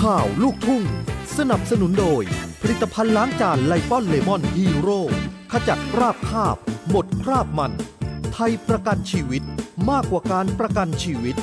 ข่าวลูกทุ่งสนับสนุนโดยผลิตภัณฑ์ล้างจานไลป้อนเลมอนฮีโร่ขจัดคราบคาบหมดคราบมันไทยประกันชีวิตมากกว่าการประกันชีวิต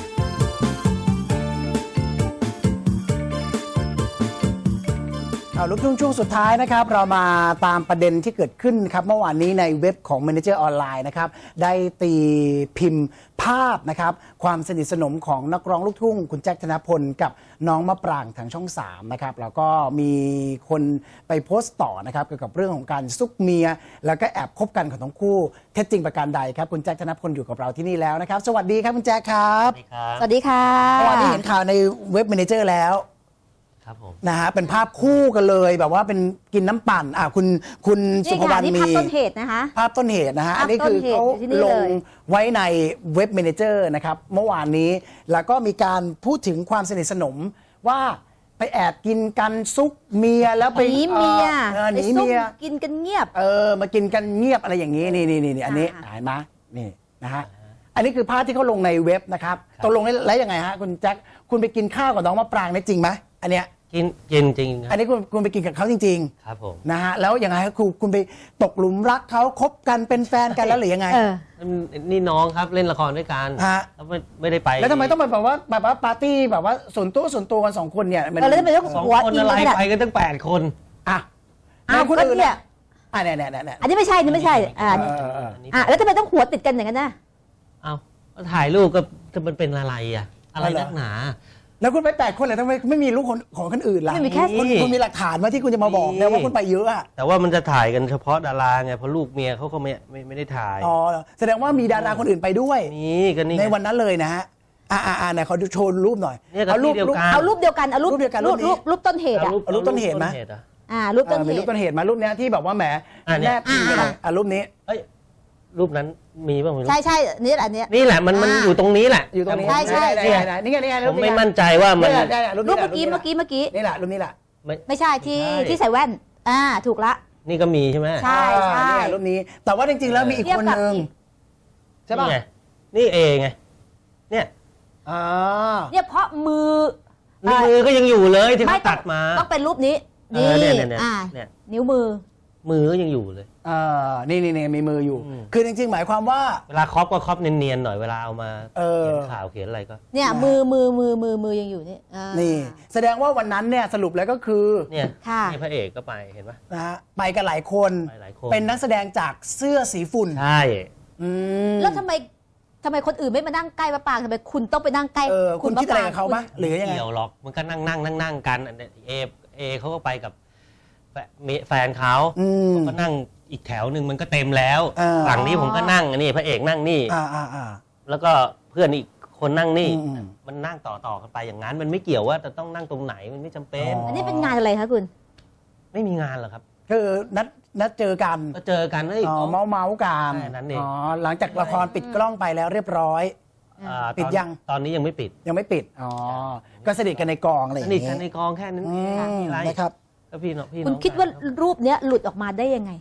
ลูกทุ่งช่วงสุดท้ายนะครับเรามาตามประเด็นที่เกิดขึ้นครับเมื่อวานนี้ในเว็บของ Manager ออนไลน์นะครับได้ตีพิมพ์ภาพนะครับความสนิทสนมของนักร้องลูกทุ่งคุณแจ็คธนพลกับน้องมะปรางทางช่อง3นะครับแล้วก็มีคนไปโพสต์ต่อนะครับเกี่ยวกับเรื่องของการซุกเมียแล้วก็แอบคบกันของทั้งคู่เท็จจริงประการใดครับคุณแจ็คธนพลอยู่กับเราที่นี่แล้วนะครับสวัสดีครับคุณแจ็คครับสวัสดีค่ะเมื่อวานนี้เห็นข่าวในเว็บ Manager แล้วนะฮะเป็นภาพคู่กันเลยแบบว่าเป็นกินน้ำปั่นคุณสุภวรรณมีภาพต้นเหตุนะคะภาพต้นเหตุนะฮะอันนี้คือเขาลงไว้ในเว็บ Manager นะครับเมื่อวานนี้แล้วก็มีการพูดถึงความสนิทสนมว่าไปแอบกินกันซุกเมียแล้วไปหนีเมียหนีเมียกินกันเงียบมากินกันเงียบอะไรอย่างนี้นี่อันนี้เห็นไหมนี่นะฮะอันนี้คือภาพที่เขาลงในเว็บนะครับตกลงแล้วยังไงฮะคุณแจ็คคุณไปกินข้าวกับน้องมะปรางได้จริงไหมอันเนี้ยกินจริงอันนี้คุณไปกินกับเขาจริงๆครับผมนะฮะแล้วยังไงครับคุณไปตกหลุมรักเขาคบกันเป็นแฟนกันแล้วหรือยังไงนี่น้องครับเล่นละครด้วยกันแล้วไม่ได้ไปแล้วทำไมต้องแบบว่าปาร์ตี้แบบว่าส่วนตัวกัน2 คนเนี่ยแล้วทำไมต้อง 2 คนอะไรไปกันตั้ง8 คนคนอื่นเนี่ยอันนี้ไม่ใช่นี่ไม่ใช่แล้วทำไมต้องหัวติดกันอย่างนั้นนะถ่ายรูปก็มันเป็นอะไรอะไรนักหนาแล้วคุณไป8 คนเลยทำไมไม่มีลูกของคนอื่นล่ะไม่มีแค่คุณมีหลักฐานมาที่คุณจะมาบอกนะว่าคุณไปเยอะอะแต่ว่ามันจะถ่ายกันเฉพาะดาราไงเพราะลูกเมียเขาก็ไม่ได้ถ่ายแสดงว่ามีดาราคนอื่นไปด้วยนี่ก็นี่ในวันนั้นเลยนะฮะไหนเขาโชว์รูปหน่อยเอารูปเดียวกันรูปต้นเหตุรูปต้นเหตุไหมรูปต้นเหตุมีรูปต้นเหตุมารูปนี้ที่แบบว่าแหมแนบพิมพ์กันเลยรูปนี้รูปนั้นมีบ้างไหมใช่นี่แหละนี่แหละมันอยู่ตรงนี้แหละอยู่ตรงนี้ใช่นี่ไงผมไม่มั่นใจว่ามันรูปเมื่อกี้นี่แหละรูปนี้แหละไม่ใช่ที่ใส่แว่นถูกละนี่ก็มีใช่ไหมใช่รูปนี้แต่ว่าจริงๆแล้วมีอีกคนนึงใช่ป่ะนี่เอไงเนี่ยเพราะมือก็ยังอยู่เลยที่เขาตัดมาต้องเป็นรูปนี้นี่นิ้วมือก็ยังอยู่เลยนี่มีมืออยู่คือจริงๆหมายความว่าเวลาครอปก็ครอปเนียนๆหน่อยเวลาเอามาเขียนข่าวเขียนอะไรก็เนี่ยมือยังอยู่นี่แสดงว่าวันนั้นเนี่ยสรุปแล้วก็คือเนี่ยพระเอกก็ไปเห็นไหมนะฮะไปกันหลายคนเป็นนักแสดงจากเสื้อสีฝุ่นใช่แล้วทำไมคนอื่นไม่มานั่งใกล้มะปรางทำไมคุณต้องไปนั่งใกล้คุณคิดอะไรกับเขาไหมหรือยังไงเกี่ยวหรอกมันก็นั่งกันเอเขาก็ไปกับแฟนเขาก็นั่งอีกแถวหนึ่งมันก็เต็มแล้วฝั่งนี้ผมก็นั่งนี่พระเอกนั่งนี่แล้วก็เพื่อนอีกคนนั่งนี่มันนั่งต่อกันไปอย่างนั้นมันไม่เกี่ยวว่าจะต้องนั่งตรงไหนมันไม่จำเป็นอันนี้เป็นงานอะไรคะคุณไม่มีงานหรอกครับคือนัดเจอกันก็เจอกันเมากันหลังจากละครปิดกล้องไปแล้วเรียบร้อยปิดยังตอนนี้ยังไม่ปิดก็สนิทกันในกองอะไรสนิทกันในกองแค่นั้นนะครับคุณคิดว่ารูปเนี้ยหลุดออกมาได้ยังไง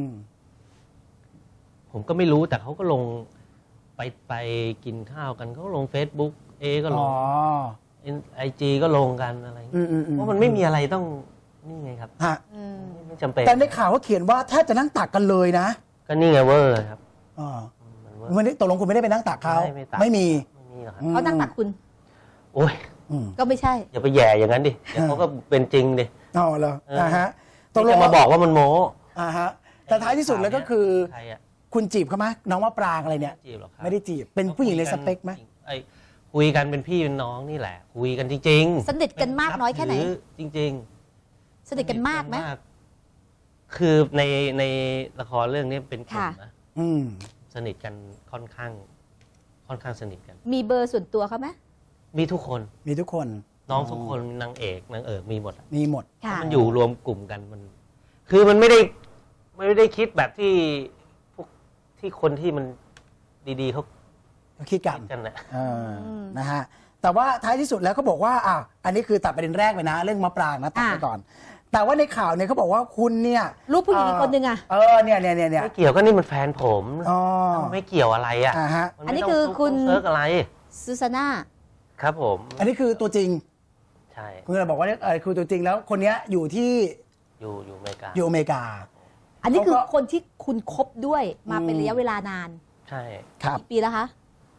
ผมก็ไม่รู้แต่เขาก็ลงไปกินข้าวกันเขาลง Facebook ก็ลงIG ก็ลงกันอะไรเพราะมันไม่มีอะไรต้องนี่ไงครับไม่จำเป็นแต่ในข่าวเขาเขียนว่าแทบจะนั่งตักกันเลยนะก็นี่ไงเวอร์ครับวันนี้ตกลงคุณไม่ได้ไปนั่งตักเขาไม่มีเขานั่งตักคุณโอ้ยก็ไม่ใช่อย่าไปแย่อย่างนั้นดิเขาก็เป็นจริงดิเหรอตกลงมาบอกว่ามันโม้แต่ท้ายที่สุดแล้วก็คือคุณจีบเขาไหมน้องมะปรางอะไรเนี่ยไม่ได้จีบเป็นผู้หญิงในสเปคไหมคุยกันเป็นพี่เป็นน้องนี่แหละคุยกันจริงๆสนิทกันมากน้อยแค่ไหนจริงๆสนิทกันมากไหมคือในละครเรื่องนี้เป็นกลุ่มนะสนิทกันค่อนข้างสนิทกันมีเบอร์ส่วนตัวเขาไหมมีทุกคนน้องทุกคนนางเอกมีหมดมันอยู่รวมกลุ่มกันมันคือมันไม่ได้คิดแบบที่คนที่มันดีๆเขาคิดกันนะฮะแต่ว่าท้ายที่สุดแล้วเขาบอกว่าอันนี้คือตัดประเด็นแรกไปนะเรื่องมะปรางนะตัดไปก่อนแต่ว่าในข่าวเนี่ยเขาบอกว่าคุณเนี่ยรูปผู้หญิงคนหนึ่งเนี่ยไม่เกี่ยวก็นี่มันแฟนผมไม่เกี่ยวอะไรอันนี้คือคุณเซิร์กอะไรซูซาน่าครับผมอันนี้คือตัวจริงใช่คุณก็เลยบอกว่าคือตัวจริงแล้วคนเนี้ยอยู่ที่อยู่อเมริกาอยู่อเมริกาอันนี้คือเขาก็คนที่คุณคบด้วยมาเป็นระยะเวลานานใช่ครับกี่ปีแล้วคะ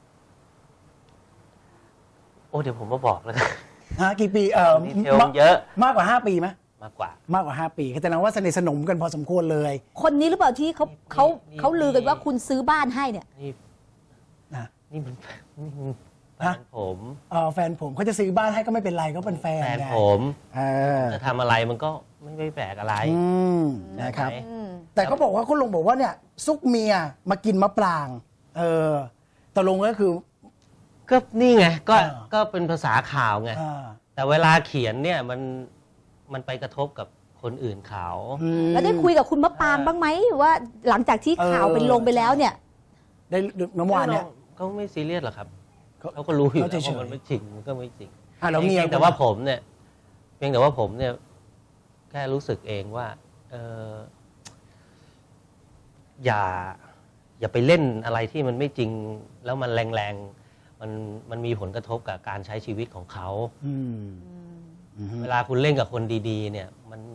โอ้เดี๋ยวผมมาบอกแล้วกันกี่ปีดีเทลเยอะมากกว่า 5 ปีไหมมากกว่ามากกว่า 5 ปีแสดงว่าสนิทสนมกันพอสมควรเลยคนนี้หรือเปล่าที่เขานี่เขาลือกันว่าคุณซื้อบ้านให้เนี่ยนี่นะนี่มันแฟฮะนผมแฟนผมเขาจะซื้อบ้านให้ก็ไม่เป็นไรก็เป็นแฟนแฟนไงผมเออจะทำอะไรมันก็ไม่แปลกอะไรนะครับใช่ไหมแต่เขาบอกว่าคุณลุงบอกว่าเนี่ยซุกเมียมากินมะปรางตกลงก็คือก็นี่ไงก็อ่าก็เป็นภาษาข่าวไงอ่าแต่เวลาเขียนเนี่ยมันไปกระทบกับคนอื่นเขาแล้วได้คุยกับคุณมะปรางบ้างไหมว่าหลังจากที่ข่าวเป็นลงไปแล้วเนี่ยได้เมื่อวานเนี่ยเขาไม่ซีเรียสหรอกครับเขาเขาก็รู้อยู่เขาแล้วเฉยๆว่ามันไม่จริงมันก็ไม่จริงแล้วเมียเพียงแต่ว่าผมเนี่ยเพียงแต่ว่าผมเนี่ยแค่รู้สึกเองว่าอย่าไปเล่นอะไรที่มันไม่จริง แล้วมันแรงๆมันมีผลกระทบกับการใช้ชีวิตของเขาอืมเวลาคุณเล่นกับคนดีๆ เนี่ย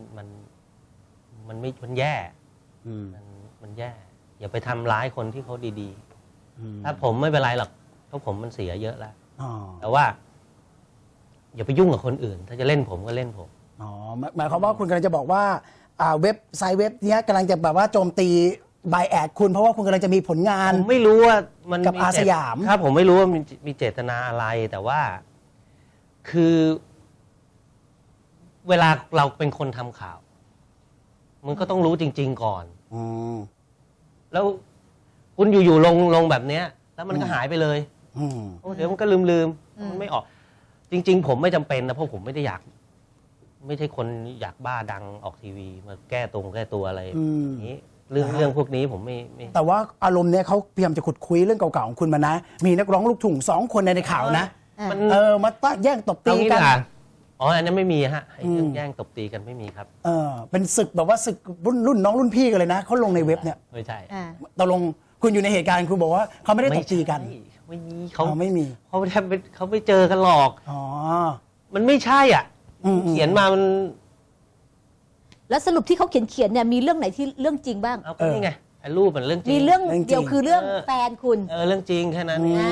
มันแย่ มันแย่ อย่าไปทำร้ายคนที่เขาดีๆ ถ้าผมไม่เป็นไรหรอกเพราะผมมันเสียเยอะแล้ว แต่ว่า อย่าไปยุ่งกับคนอื่น ถ้าจะเล่นผมก็เล่นผมหมายความว่าคุณกำลังจะบอกว่าเว็บไซต์เว็บเนี้ยกำลังจะแบบว่าโจมตีบายแอดคุณเพราะว่าคุณกำลังจะมีผลงานผมไม่รู้ว่ามันกับอาสยามครับผมไม่รู้ว่ามีเจตนาอะไร แต่ว่าคือ เวลาเราเป็นคนทำข่าว มันก็ต้องรู้จริง ๆ ก่อน แล้วคุณอยู่ๆลงแบบเนี้ย แล้วมันก็หายไปเลยเดี๋ยวมันก็ลืมมันไม่ออก จริง ๆ ผมไม่จำเป็นนะเพราะผมไม่ได้อยาก ไม่ใช่คนอยากบ้าดังออกทีวีมาแก้ตัวอะไรอย่างนี้เรื่องพวกนี้ผมไม่แต่ว่าอารมณ์เนี้ยเขาพยายามจะขุดคุยเรื่องเก่าๆของคุณมานะ มีนักร้องลูกทุ่ง2 คนในข่าวนะมันมาต้าแย่งตบตีเอางี้กัดีนกว่าอ๋ออันนั้นไม่มีฮะไอ้เรื่องแย่งตบตีกันไม่มีครับเป็นศึกแบบว่าศึกรุ่นน้องรุ่นพี่กันเลยนะเขาลงในเว็บเนี่ยไม่ใช่ตกลงคุณอยู่ในเหตุการณ์คุณบอกว่าเขาไม่ได้ตบตีกันไม่มีไม่มีเขาแทบเขาไม่เจอกันหรอกอ๋อมันไม่ใช่อ่ะ เขียนมามันแล้วสรุปที่เขาเขียนเนี่ยมีเรื่องไหนที่เรื่องจริงบ้างเอาก็นี่ไงไอ้รูปมันเรื่องจริงมีเรื่องเรื่องจริงเดียวคือเรื่องเออแฟนคุณเรื่องจริงแค่นั้นเอง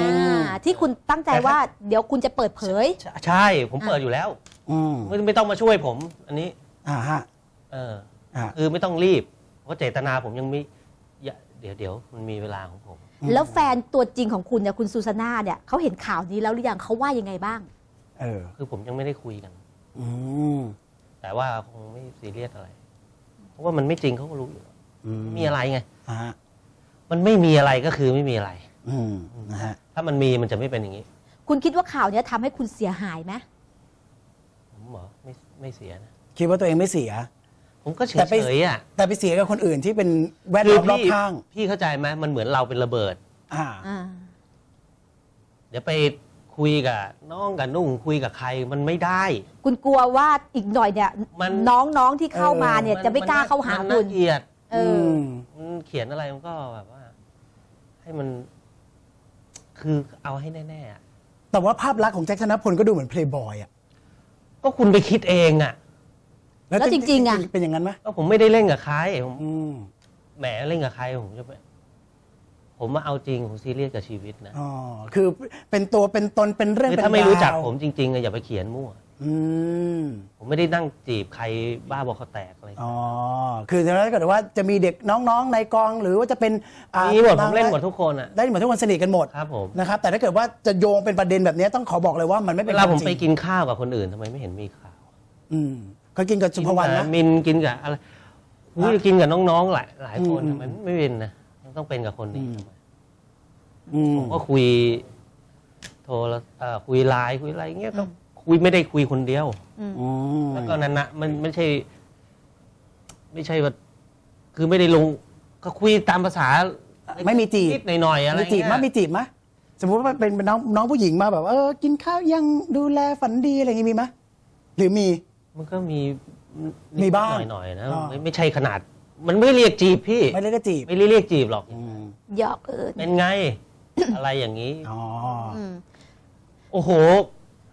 ที่คุณตั้งใจว่าเดี๋ยวคุณจะเปิดเผยใช่ผมเปิดอยู่แล้วไม่ต้องมาช่วยผม อันนี้ฮะคือไม่ต้องรีบ เพราะเจตนาผมยังไม่เดี๋ยวมันมีเวลาของผมแล้วแฟนตัวจริงของคุณเนี่ยคุณซูซาน่าเนี่ยเขาเห็นข่าวนี้แล้วหรือยังเขาว่ายังไงบ้างคือผมยังไม่ได้คุยกันมแต่ว่าคงไม่ซีเรียสอะไร เพราะว่ามันไม่จริงเขาก็รู้อยู่แล้วมีอะไรไง มันไม่มีอะไรก็คือไม่มีอะไรนะฮะถ้ามันมีมันจะไม่เป็นอย่างนี้คุณคิดว่าข่าวเนี้ยทำให้คุณเสียหายไหมผมเหรอไม่เสียนะคิดว่าตัวเองไม่เสียผมก็เฉแต่ไปยๆอ่ะแต่ไปเสียกับคนอื่นที่เป็นแวดล้อมรอบข้างพี่เข้าใจไหมมันเหมือนเราเป็นระเบิดอ่าเดี๋ยวไปคุยกับน้องกับนุ่งคุยกับใครมันไม่ได้คุณกลัวว่าอีกหน่อยเนี่ยมันน้องๆที่เข้ามาเนี่ยจะไม่กล้าเข้าหามันคุน่าณเกลียดเมันเขียนอะไรมันก็แบบว่า ให้มัน คือเอาให้แน่ๆอะแต่ว่าภาพลักษณ์ของแจ็คธนพลก็ดูเหมือนเพลย์บอยอ่ะก็คุณไปคิดเองอ่ะแล้วจริงๆอะเป็นอย่างนั้นไหมก็ผมไม่ได้เล่นกับใครผมอืมแหมเล่นกับใครผมจะไปผมมาเอาจริงผมซีเรียสกับชีวิตนะอ๋อคือเป็นตัวเป็นตนเป็นเรื่องคือเป็นถ้าไม่รู้จักราวผมจริงๆอะอย่าไปเขียนมั่วอืมผมไม่ได้นั่งจีบใครบ้าบอคอแตกอะไรอ๋อคือถ้าเกิดว่าจะมีเด็กน้องๆในกองหรือว่าจะเป็นมีหมดผมเล่นหมดทุกคนอ่ะได้หมดทุกคนสนิทกันหมดครับผมนะครับแต่ถ้าเกิดว่าจะโยงเป็นประเด็นแบบนี้ต้องขอบอกเลยว่ามันไม่เป็เวน ลาผมควไปจริงกินข้าวกับคนอื่นทำไมไม่เห็นมีข่าวเขากินกับสุภวรรณนะมินกินกับอะไรอุ้ยกินกับน้องๆหลายคนทำไมไม่เป็นนะมันต้องเป็นกับคนนี้ทำไมผมก็คุยโทรคุยไลน์คุยอะไรเงี้ยก็คุยไม่ได้คุยคนเดียวแล้วก็นั้นนะมันไม่ใช่ว่าคือไม่ได้ลงก็คุยตามภาษาไม่มีจีบนิดหน่อยๆอะไรมีจีบเงี้มั้ยมีจีบมั้ยสมมติว่าเป็นน้องผู้หญิงมาแบบกินข้าวยังดูแลฝันดีอะไรอย่างงี้มีมั้ยหรือมีมันก็มีมีบ้างหน่อยๆนะอ๋อไม่ใช่ขนาด มันไม่เรียกจีบพี่ไม่ได้ก็จีบไม่ได้เรียกจีบหรอกหยอกเอิญเป็นไง อะไรอย่างนี้อ๋อโอ้โห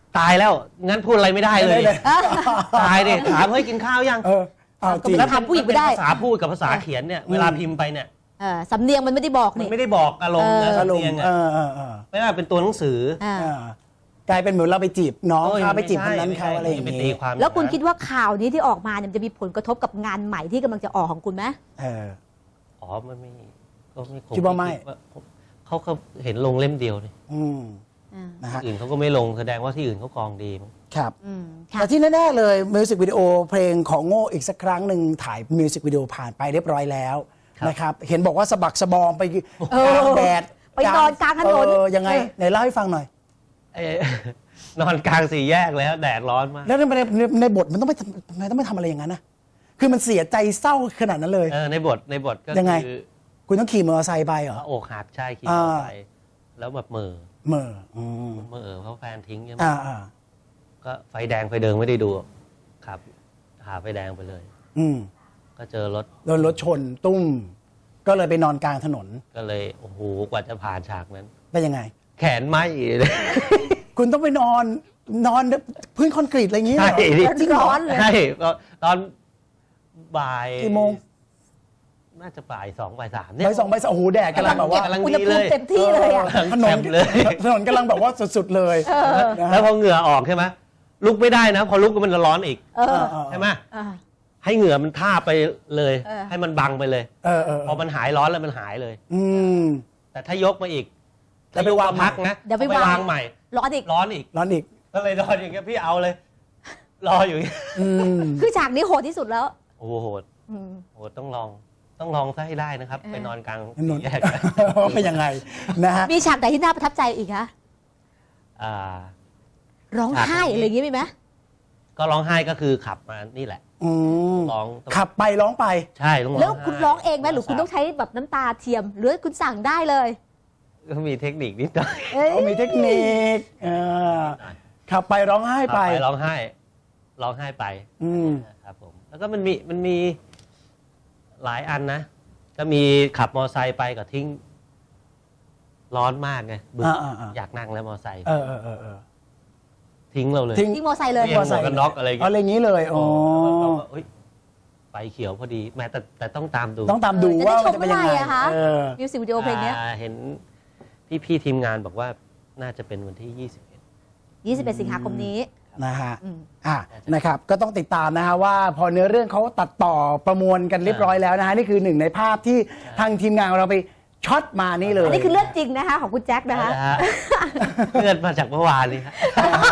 ตายแล้วงั้นพูดอะไรไม่ได้เลย ตายดิถามเฮ้ยกินข้าวยังเอาจริงแล้วทำผู้หญิงไม่ได้ภาษาพูดกับภาษาเขียนเนี่ยเวลาพิมพ์ไปเนี่ยสำเนียงมันไม่ได้บอกมันนี่ไม่ได้บอกอารมณ์นะอารสำมเนียงณ์อ่ะไม่ว่าเป็นตัวหนังสือกลายเป็นเหมือนเราไปจีบน้องโอ้ยเขาไปจีบคม่นใช่นั้นเขาอะไรอย่างม่นี้ตีความแล้วคุณคิดว่าข่าวนี้ที่ออกมาเนี่ยมันจะมีผลกระทบกับงานใหม่ที่กำลังจะออกของคุณไหมอ๋อมันไม่ก็ไม่คิดว่าไม่เขาเห็นลงเล่มเดียวนี่นะฮะอื่นเขาก็ไม่ลงแสดงว่าที่อื่นเขากองดีมั้งครับค่ะแต่ที่แน่ๆเลยมิวสิกวิดีโอเพลงของโง่อีกสักครั้งหนึ่งถ่ายมิวสิกวิดีโอผ่านไปเรียบร้อยแล้วนะครับเห็นบอกว่าสะบักสะบอมไปกลางแดดไปนอนกลางถนนยังไงไหนเล่าให้ฟังหน่อยนอนกลางสี่แยกแล้วแดดร้อนมากแล้วในบทมันต้องไม่ทำอะไรอย่างนั้นนะคือมันเสียใจเศร้าขนาดนั้นเลยในบทก็ยังไงคือคุณต้องขี่มอเตอร์ไซค์ไปเหรอพระอกหักใช่ขี่มอเตอร์ไซค์แล้วแบบเหม่อเหม่ออืมเพราะแฟนทิ้งใช่ไหม ก็ไฟแดงไฟเดิงไม่ได้ดูครับหาไฟแดงไปเลย ก็เจอรถโดนรถชนตุ้ม ก็เลยไปนอนกลางถนนก็เลยโอ้โหกว่าจะผ่านฉากนั้นเป็นยังไงแขนไหมเลยคุณต้องไปนอนพื้นคอนกรีตอะไรอย่างนี้เหรใช่อจริงเหรอร้อนเลยใช่ตอนบ่ายกี่โมงน่าจะบ่ายสองบ่ายสามเนี่ยใบสองใบสามโอ้โหแดดกำลังแบบว่ากำลังอุณดีหภูเลมิยเต็มที่เลยอ่ะถนนแจ่มเลยถนนกำลังแบบว่าสุดๆเลยนะฮะแล้วพอเหงื่อออกใช่ไหมลุกไม่ได้นะ พอลุกก็มันร้อนอีก ใช่ไหมให้เหงื่อมันท่าไปเลย ให้มันบังไปเลย พอมันหายร้อนแล้วมันหายเลย แต่ถ้ายกมาอีกแล้วไปวางพักนะเดี๋ยวไปวาวางงใหม่ร้อนอีกร้อนอีกร้อนอีกก็เลยนอนอย่างเงี้ยพี่เอาเลย รออยู่อย่างเงี้ยคือฉากนี้โหดที่สุดแล้วโอ้โหโหดต้องลองซะให้ได้นะครับ ไปนอนกลางถนนแยกเป็นยังไงนะฮะมีฉากไหนที่น่าประทับใจอีกคะอ่าร้องไห้อะไรอย่างงี้มีไหมก็ร้องไห้ก็คือขับมานี่แหละร้องขับไปร้องไปใช่ต้องร้องแล้วคุณไห้ร้องเองไหมหรือคุณต้องใช้แบบน้ำตาเทียม หรือคุณสั่งได้เลยก็มีเทคนิคนิดหน่อยเขามีเทคนิคขับไปร้องไห้ไปขับร้องไห้ไปครับผมแล้วก็มันมีหลายอันนะ ก็มีขับมอไซค์ไปก็ทิ้ง ร้อนมากไงบึ้งอยากนั่งแล้วมอไซค์ทิ้งเราเลยทิ้งมอไซค์เลยเรียกหมวกกันน็อกอะไรอย่างอะไรเงี้ยอย่างนี้เลยอ๋อเฮ้ยไฟเขียวพอดีแม้แต่ต้องตามดูต้องตามดูจะได้ว่าชมันมจะเป็นยังไงเมื่อไหร่อะคะ มิวสิกวิดีโอเพลงเนี้ยเห็นพี่ทีมงานบอกว่าน่าจะเป็นวันที่ 21 สิงหาคมนี้นะฮะนะครับก็ต้องติดตามนะฮะว่าพอเนื้อเรื่องเขาตัดต่อประมวลกันเรียบร้อยแล้วนะฮะนี่คือหนึ่งในภาพที่ทางทีมงานของเราไปช็อตมานี่เลยอันนี้คือเลือดจริงนะคะของคุณแจ็ค 21 นะคะเลื่อนมาจากเมื่อวานนี้ครับ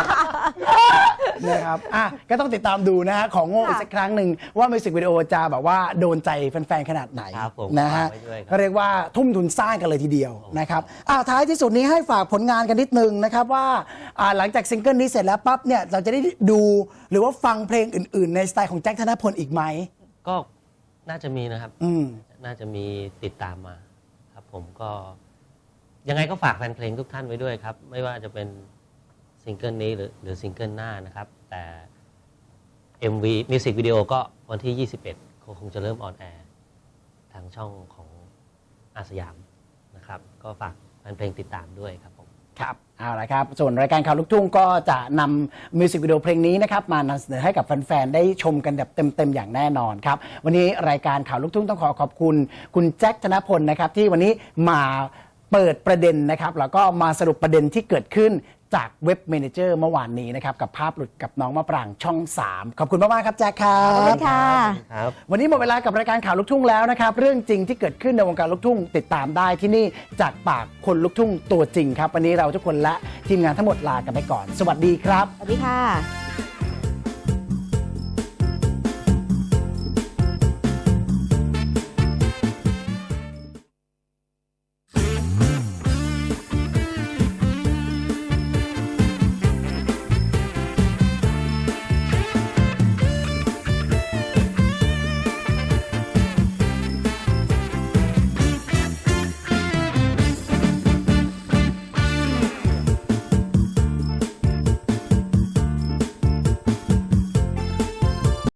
นะครับก็ต้องติดตามดูนะฮะของโง่อีกสักครั้งหนึ่งว่ามิวสิกวิดีโอจะแบบว่าโดนใจแฟนๆขนาดไหนครับผมนะฮะฝากไว้ด้วยครับก็เรียกว่าทุ่มทุนสร้างกันเลยทีเดียวนะครับท้ายที่สุดนี้ให้ฝากผลงานกันนิดนึงนะครับว่าหลังจากซิงเกิลนี้เสร็จแล้วปั๊บเนี่ยเราจะได้ดูหรือว่าฟังเพลงอื่นๆ ในสไตล์ของแจ็คธนพลอีกไหมก็น่าจะมีนะครับ น่าจะมีติดตามมาครับผมก็ยังไงก็ฝากแฟนเพลงทุกท่านไว้ด้วยครับ ไม่ว่าจะเป็นซิงเกิลนี้หรือซิงเกิลหน้านะครับ แต่ MV มิวสิกวิดีโอก็วันที่ 21คงจะเริ่มออนแอร์ทางช่องของอาสยามนะครับ ก็ฝากแฟนเพลงติดตามด้วยครับผมครับเอาละครับส่วนรายการข่าวลูกทุ่งก็จะนำมิวสิกวิดีโอเพลงนี้นะครับมานำเสนอให้กับแฟนๆได้ชมกันแบบเต็มๆอย่างแน่นอนครับวันนี้รายการข่าวลูกทุ่งต้องขอบคุณคุณแจ็คธนพลนะครับที่วันนี้มาเปิดประเด็นนะครับแล้วก็มาสรุปประเด็นที่เกิดขึ้นจากเว็บเมเนเจอร์เมื่อวานนี้นะครับกับภาพหลุดกับน้องมะปรางช่อง 3 ขอบคุณมากๆครับแจ็คครัขอบคุบณค่ะครับวันนี้หมดเวลากับรายการข่าวลูกทุ่งแล้วนะครับเรื่องจริงที่เกิดขึ้นในวงการลูกทุ่งติดตามได้ที่นี่จากปากคนลูกทุ่งตัวจริงครับวันนี้เราทุกคนและทีมงานทั้งหมดลากันไปก่อน สวัสดีครับสวัสดีค่ะ